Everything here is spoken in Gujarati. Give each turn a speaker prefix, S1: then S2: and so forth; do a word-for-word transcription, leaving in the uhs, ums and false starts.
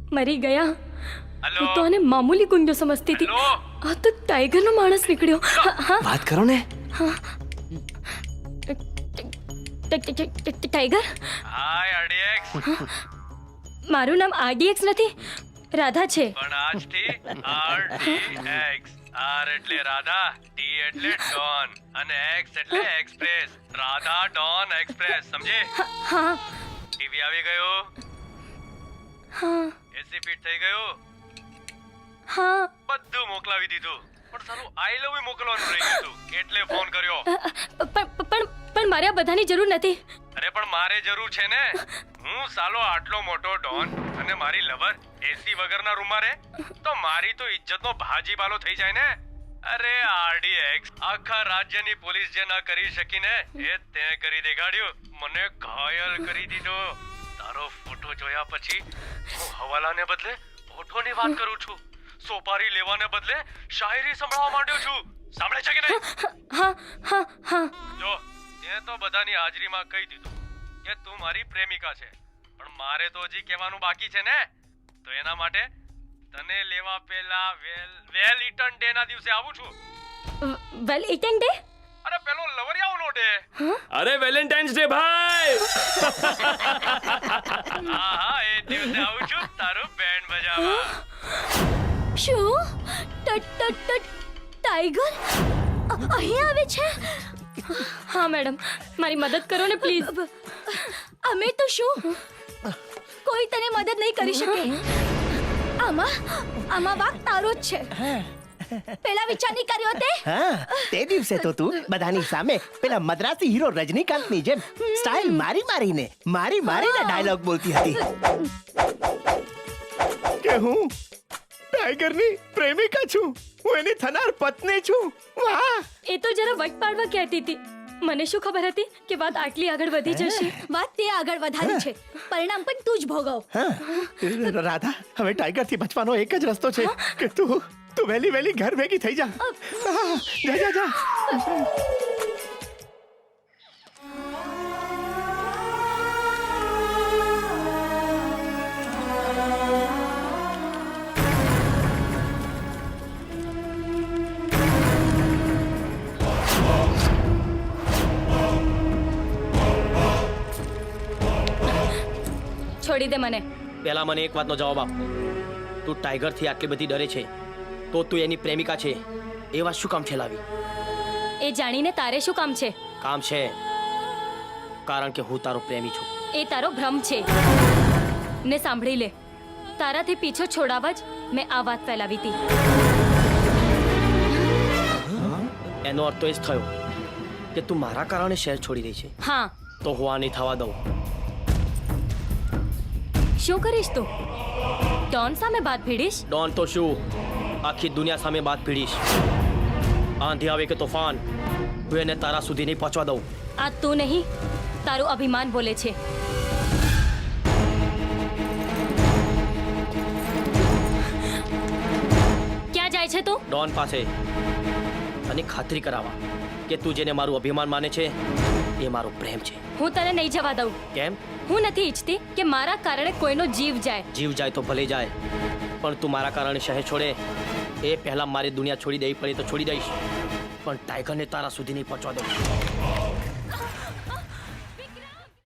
S1: મરી ગયા.
S2: હેલો
S1: હું તો આને મામૂલી ગુંજો સમજતી હતી.
S2: હેલો
S1: આ તો ટાઈગરનો માણસ નીકળ્યો. હા, હા.
S3: વાત કરો ને.
S1: ટ- ટ- ટ- ટ- ટાઈગર,
S2: હાય આરડીએક્સ.
S1: મારું નામ આરડીએક્સ નથી, રાધા છે.
S2: પણ આજથી આરડીએક્સ. આર એટલે રાધા, ટી એટલે ડોન અને એક્સ એટલે એક્સપ્રેસ. રાધા ડોન એક્સપ્રેસ, સમજી?
S1: હા,
S2: ટીવી આવી ગયું,
S1: હા,
S2: એસી ફીટ થઈ ગયું,
S1: હા.
S2: બધું મોકલાવી દીધું. પણ સાલું આઈ લવ યુ મોકલવાનું રહી ગયું હતું, એટલે ફોન કર્યો.
S1: પણ પણ પણ મારે આ બધાની જરૂર નથી.
S2: અરે પણ મારે જરૂર છે ને. હું સાલો આટલો મોટો ડોન અને મારી લવર એસી વગરના રૂમમાં રહે તો મારી તો ઇજ્જતનો ભાજીપાલો થઈ જાય ને. અરે આરડીએક્સ, આખા રાજ્યની પોલીસ જે ના કરી શકી ને એ તે કરી દેખાડ્યું. મને ઘાયલ કરી દીધો. તારો ફોટો જોયા પછી હું હવાલાને બદલે ફોટોની વાત કરું છું. સોપારી લેવાને બદલે શાયરી સંભળાવવા માંડ્યો છું. સાંભળે છે કે નહીં?
S1: હા, હા, હા.
S2: જો તે તો બધાની હાજરીમાં કહી દીધું કે તું મારી પ્રેમિકા છે, પણ મારે તો હજી કહેવાનું બાકી છે ને. તો એના માટે તને લેવા પહેલા વેલ વેલ ઇટન ડે ના દિવસે આવું છું.
S1: Valentine day?
S2: અરે પેલો લવરિયાઓનો ડે.
S3: અરે વેલેન્ટાઇન્સ ડે ભાઈ.
S2: હા હા, એ દિવસે આવું છું તારું બેન્ડ બજાવવા.
S1: શું? ટ- ટ- ટ- ટાઈગર અ- અહીં આવે છે? હા મેડમ, મારી મદદ કરો ને પ્લીઝ. અમે તો શું, કોઈ તને મદદ નહીં કરી શકે. આમાં આમાં વાક તારો જ છે. પેલા વિચાર નહીં કર્યો તે?
S4: હા, તે દિવસે તો તું બધાની સામે પેલા મદ્રાસી હીરો રજનીકાંતની જેમ સ્ટાઇલ મારી મારીને મારી મારીને ડાયલોગ બોલતી હતી કે હું ટાઈગરની પ્રેમિકા છું, હું એની થનાર પત્ની છું. વાહ!
S1: એ તો જરા વટ પાડવા કહેતી હતી. મને શું ખબર હતી કે વાત આટલી આગળ વધી જશે. વાત તે આગળ વધારી છે, પરિણામ પણ તું જ ભોગવ.
S4: હા, રાધા, હવે ટાઈગરથી બચવાનો એક જ રસ્તો છે કે તું તું વહેલી વહેલી ઘર ભેગી થઈ જા. હા, જા જા જા.
S1: છોડી દે મને.
S3: પહેલા મને એક વાતનો જવાબ આપ. તું ટાઈગર થી આટલી બધી ડરે છે તો તું એની પ્રેમિકા છે એ વાત શું કામ ફેલાવી?
S1: એ જાણીને તારે શું કામ છે?
S3: કામ છે, કારણ કે હું તારો પ્રેમી છું.
S1: એ તારો ભ્રમ છે. ને સાંભળી લે, તારાથી પીછો છોડાવવા જ મેં આ વાત ફેલાવી હતી.
S3: એનો અર્થ તો એ જ થયો કે તું મારા કારણે શહેર છોડી રહી છે.
S1: હા.
S3: તો હું આ નહીં થવા દઉં.
S1: શું કરીશ તું? ડોન સામે બાત ભીડીશ?
S3: ડોન તો શું, આખી દુનિયા સામે બાત ભીડીશ. આંધી આવે કે તોફાન, હું એને તારા સુધી નહીં પહોંચવા દઉં.
S1: આ તું નહીં, તારું અભિમાન બોલે છે. ક્યાં જાય છે તું?
S3: ડોન પાસે, અને ખાતરી કરાવવા કે તું જેને મારું અભિમાન માને છે એ મારો પ્રેમ છે.
S1: હું તને નહીં જવા દઉં.
S3: કેમ?
S1: હું નથી ઈચ્છતી કે મારા કારણે કોઈનો જીવ જાય.
S3: જીવ જાય તો ભલે જાય, પણ તું મારા કારણે શહેર છોડે એ પહેલા મારી દુનિયા છોડી દેવી પડે તો છોડી દઈશ, પણ ટાઈગરને તારા સુધી નહીં પહોંચવા દઉં.